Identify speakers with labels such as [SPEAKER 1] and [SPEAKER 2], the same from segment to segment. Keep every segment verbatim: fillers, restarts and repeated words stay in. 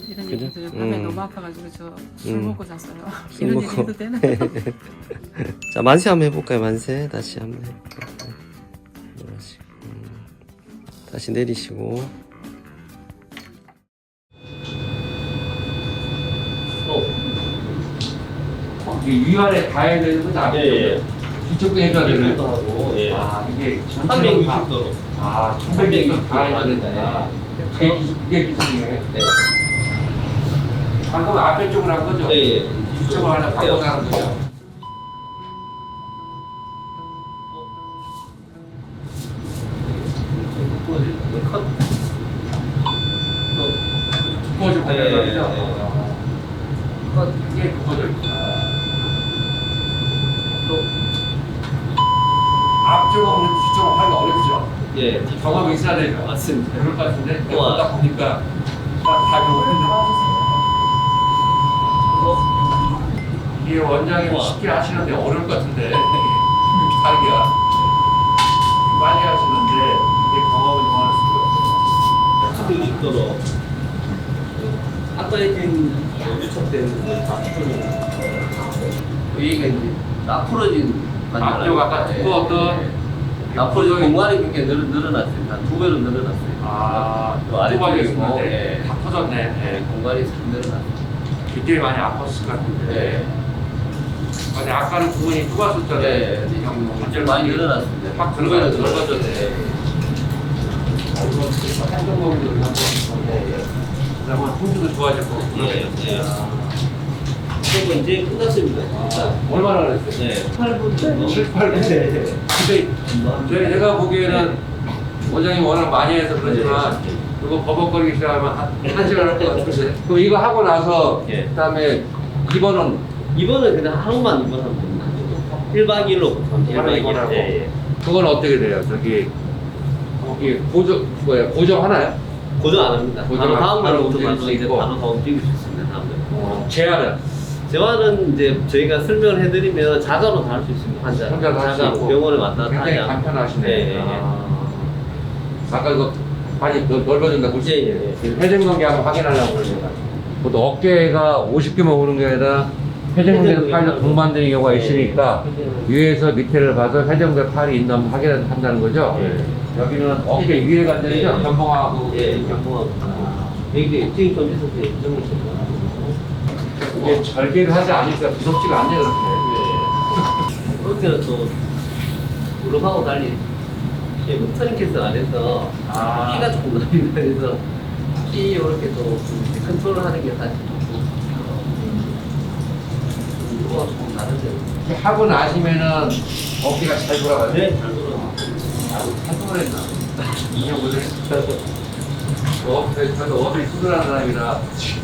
[SPEAKER 1] 이런
[SPEAKER 2] 그죠?
[SPEAKER 1] 얘기 들으면 밤에
[SPEAKER 2] 음.
[SPEAKER 1] 너무 아파가지고 저 술
[SPEAKER 2] 음.
[SPEAKER 1] 먹고 잤어요.
[SPEAKER 2] 술
[SPEAKER 1] 이런
[SPEAKER 2] 먹고.
[SPEAKER 1] 얘기 해도 되나?
[SPEAKER 2] 자, 만세 한번 해볼까요? 만세 다시 한번 해볼까요? 그러시고, 음. 다시 내리시고.
[SPEAKER 3] 어, 이게 위아래 다 해야 되는 거지?
[SPEAKER 4] 예, 예.
[SPEAKER 3] 뒤쪽도 해줘야 되는
[SPEAKER 4] 이것도 하고, 예.
[SPEAKER 3] 아, 이게 전체로 다,
[SPEAKER 4] 삼백육십 도로.
[SPEAKER 3] 아, 천백육십 다 해야 된다. 그게 기- 그게 기술이네.
[SPEAKER 4] 네.
[SPEAKER 3] 방금 앞에 쪽으로 한 거죠?
[SPEAKER 4] 예, 예.
[SPEAKER 3] 뒤쪽으로 하나 바꿔서 하는 거죠?
[SPEAKER 4] 컷.
[SPEAKER 3] 그거죠,
[SPEAKER 4] 예, 예,
[SPEAKER 3] 그거죠?
[SPEAKER 4] 예.
[SPEAKER 3] 컷, 이게 그거죠. 앞쪽은 우리 뒤쪽은 하기가 어렵죠?
[SPEAKER 4] 예.
[SPEAKER 3] 경험이 있어야 되죠?
[SPEAKER 4] 맞습니다.
[SPEAKER 3] 그럴 것 같은데?
[SPEAKER 4] 우와.
[SPEAKER 3] 보다 보니까 다 경험했는데 이게 원장님
[SPEAKER 4] 우와.
[SPEAKER 3] 쉽게 하시는데 어려울 것 같은데 이렇게 하기가 많이 하시는데 이게 경험을 원할 수가
[SPEAKER 4] 삼백육십 도로. 아까 했던 유착된 거다 풀어진 여기가 이제 나풀어진
[SPEAKER 3] 앞쪽 아까 두꺼웠던
[SPEAKER 4] 나풀어진 공간이 굉장히 늘, 늘어났어요. 한 두 배로 늘어났어요.
[SPEAKER 3] 아,
[SPEAKER 4] 또 아래쪽에
[SPEAKER 3] 두발이
[SPEAKER 4] 있고,
[SPEAKER 3] 있는데
[SPEAKER 4] 예.
[SPEAKER 3] 다 터졌네.
[SPEAKER 4] 네,
[SPEAKER 3] 예.
[SPEAKER 4] 공간이 싹 늘어났어요.
[SPEAKER 3] 그때 많이 아팠을 것 같은데
[SPEAKER 4] 네.
[SPEAKER 3] 아니 아까는 부분이 좁았었잖아요.
[SPEAKER 4] 네, 근데 지금 완전 많이 늘어났습니다.
[SPEAKER 3] 확 들어가요.
[SPEAKER 4] 두 배로
[SPEAKER 3] 넓어졌네.
[SPEAKER 4] 늘어났어요.
[SPEAKER 3] 행동범위도 한번
[SPEAKER 4] 네,
[SPEAKER 3] 그다음에 풍주도 좋아졌고.
[SPEAKER 4] 예, 예. 그리고 이제 끝났습니다.
[SPEAKER 3] 아, 얼마나 그랬어요?
[SPEAKER 4] 네, 팔 분 정도.
[SPEAKER 3] 칠, 팔 분.
[SPEAKER 4] 네.
[SPEAKER 3] 근데 제- 제가 보기에는 원장님 워낙 많이 해서 그렇지만 이거 버벅거리기 시작하면 한, 한 시간 할 것 같은데 그럼 이거 하고 나서
[SPEAKER 4] 예.
[SPEAKER 3] 그다음에 입원은
[SPEAKER 4] 이번은 그냥 하루만 입원하면 됩니다. 일 박 이 일로
[SPEAKER 3] 하루 입원하고
[SPEAKER 4] 예, 예.
[SPEAKER 3] 그건 어떻게 돼요? 저기 거기 고정 뭐야 고정하나요?
[SPEAKER 4] 고정 안 합니다.
[SPEAKER 3] 고정
[SPEAKER 4] 바로
[SPEAKER 3] 안-
[SPEAKER 4] 다음
[SPEAKER 3] 바로
[SPEAKER 4] 날부터
[SPEAKER 3] 움직일
[SPEAKER 4] 바로
[SPEAKER 3] 수
[SPEAKER 4] 이제
[SPEAKER 3] 있고.
[SPEAKER 4] 바로 다 움직일 수 있습니다. 다음 날.
[SPEAKER 3] 어, 제한은
[SPEAKER 4] 재활은 이제 저희가 설명을 해드리면 자가로 다 할 수 있습니다. 환자.
[SPEAKER 3] 혼자서 할수
[SPEAKER 4] 자가
[SPEAKER 3] 있고
[SPEAKER 4] 병원에 왔다 갔다
[SPEAKER 3] 굉장히
[SPEAKER 4] 하지 않고.
[SPEAKER 3] 간편하시네.
[SPEAKER 4] 예, 예, 예.
[SPEAKER 3] 아. 아까 이거 많이 넓- 넓어진다고
[SPEAKER 4] 예, 예, 예.
[SPEAKER 3] 회전근개 한번 확인하려고 그러니까 또 어깨가 오십 개만 오는 게 아니라 회전근개 팔도 동반되는 경우가 있으니까 위에서 밑에를 봐서 회전근개 팔이 있나 한번 확인한다는 거죠.
[SPEAKER 4] 예.
[SPEAKER 3] 여기는 어깨 위에 관절이죠.
[SPEAKER 4] 예, 예.
[SPEAKER 3] 견봉하고
[SPEAKER 4] 예, 경공하고. 여기 지금 검지에서 인정을 줬고.
[SPEAKER 3] 이게 절개를 하지 않으니까 무섭지가 않네 그렇게.
[SPEAKER 4] 어깨는 또 무릎하고 달리 이게 뭐 터닝캐스 안에서
[SPEAKER 3] 아.
[SPEAKER 4] 키가 조금 나립니다. 그래서 키 이렇게 또 컨트롤하는 게 사실 좀 이거가 조금 다른데.
[SPEAKER 3] 하고 나시면은 어깨가 잘 돌아가요.
[SPEAKER 4] 네, 잘 돌아가.
[SPEAKER 3] 한동안 했나? 이 년 보내. 어, 저도 어디 수술한 사람이라.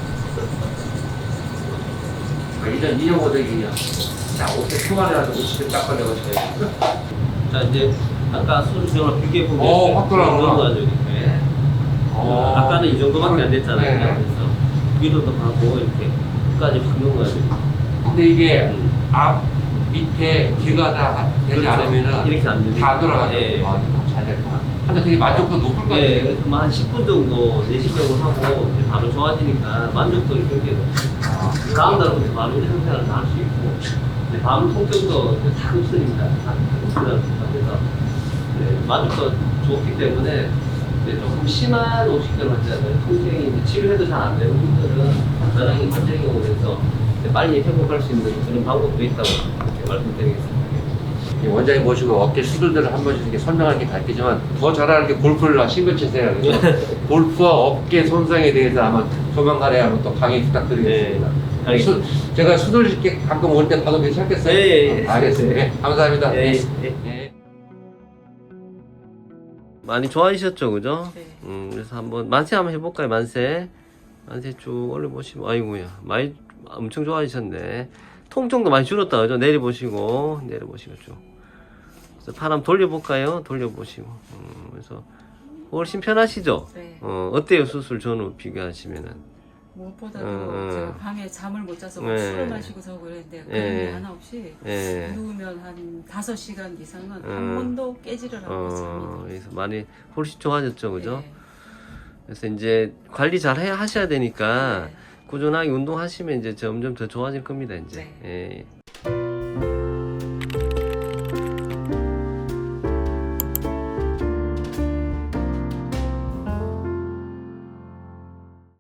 [SPEAKER 3] 이 년, 이 년 고생이냐. 자, 어깨 초반이라도 오십 대 딱 걸려가지고.
[SPEAKER 4] 자 이제 아까 수술 지원을 비교해 보면
[SPEAKER 3] 어, 확 돌아가구나.
[SPEAKER 4] 가지고 이렇게.
[SPEAKER 3] 어.
[SPEAKER 4] 아까는 이 정도밖에 안 됐잖아요.
[SPEAKER 3] 네.
[SPEAKER 4] 그래서 위로도 가고 이렇게 끝까지 확 넘어가지고.
[SPEAKER 3] 근데 이게
[SPEAKER 4] 음.
[SPEAKER 3] 앞, 밑에, 뒤가 다 되지
[SPEAKER 4] 그렇죠.
[SPEAKER 3] 않으면은
[SPEAKER 4] 이렇게 안 되죠.
[SPEAKER 3] 다 돌아가죠.
[SPEAKER 4] 예.
[SPEAKER 3] 아, 이거 잘 됐구나. 근데 되게 만족도 높을 것
[SPEAKER 4] 네,
[SPEAKER 3] 같아요.
[SPEAKER 4] 그래서 뭐한 십 분 정도 내시경을 하고 이제 바로 좋아지니까 만족도를 굉장히 높아요. 다음 날부터 바로 일상생활을 다 할 수 있고 이제 밤 통증도 이제 다 없으니까 다 없으니까 그래서 네, 만족도 좋기 때문에 이제 조금 심한 오십대로 환자들 통증이 이제 치료해도 잘 안 되는 분들은 간단하게 관절경으로 해서 이제 빨리 회복할 수 있는 그런 방법도 있다고 이렇게 말씀드리겠습니다.
[SPEAKER 3] 이 원장님 모시고 어깨 수술들을 한 번씩 이렇게 설명하는 게 밝히지만 더 잘하는 게 골프를 신경 치세요. 그래서 골프와 어깨 손상에 대해서 아마 조만간에 한번 또 강의 부탁드리겠습니다.
[SPEAKER 4] 네, 알겠습니다.
[SPEAKER 3] 수, 제가 수술 쉽게 가끔 올 때 봐도 괜찮겠어요?
[SPEAKER 4] 네, 예, 예.
[SPEAKER 3] 알겠습니다. 네, 감사합니다.
[SPEAKER 4] 예,
[SPEAKER 3] 네.
[SPEAKER 4] 예.
[SPEAKER 3] 네.
[SPEAKER 2] 많이 좋아지셨죠, 그죠?
[SPEAKER 1] 네.
[SPEAKER 2] 음, 그래서 한번 만세 한번 해볼까요, 만세? 만세 쭉 올려보시면, 아이고야, 많이, 엄청 좋아지셨네. 통증도 많이 줄었다, 그죠? 내려보시고, 내려보시고 쭉. 그래서 팔 한번 돌려볼까요? 돌려보시고. 음, 그래서 훨씬 편하시죠?
[SPEAKER 1] 네.
[SPEAKER 2] 어, 어때요, 수술 전후 비교하시면은?
[SPEAKER 1] 무엇보다도
[SPEAKER 2] 음,
[SPEAKER 1] 제가
[SPEAKER 2] 음.
[SPEAKER 1] 밤에 잠을 못 자서
[SPEAKER 2] 네.
[SPEAKER 1] 술을 마시고서 그랬는데 그런
[SPEAKER 2] 네.
[SPEAKER 1] 게 하나 없이
[SPEAKER 2] 예.
[SPEAKER 1] 누우면 한 다섯 시간 이상은 한
[SPEAKER 2] 음.
[SPEAKER 1] 번도 깨지를 않고 잠이
[SPEAKER 2] 어,
[SPEAKER 1] 들어요.
[SPEAKER 2] 그래서 많이 훨씬 좋아졌죠, 그죠?
[SPEAKER 1] 네.
[SPEAKER 2] 그래서 이제 관리 잘 해 하셔야 되니까
[SPEAKER 1] 네.
[SPEAKER 2] 꾸준하게 운동하시면 이제 점점 더 좋아질 겁니다, 이제.
[SPEAKER 1] 네.
[SPEAKER 2] 예.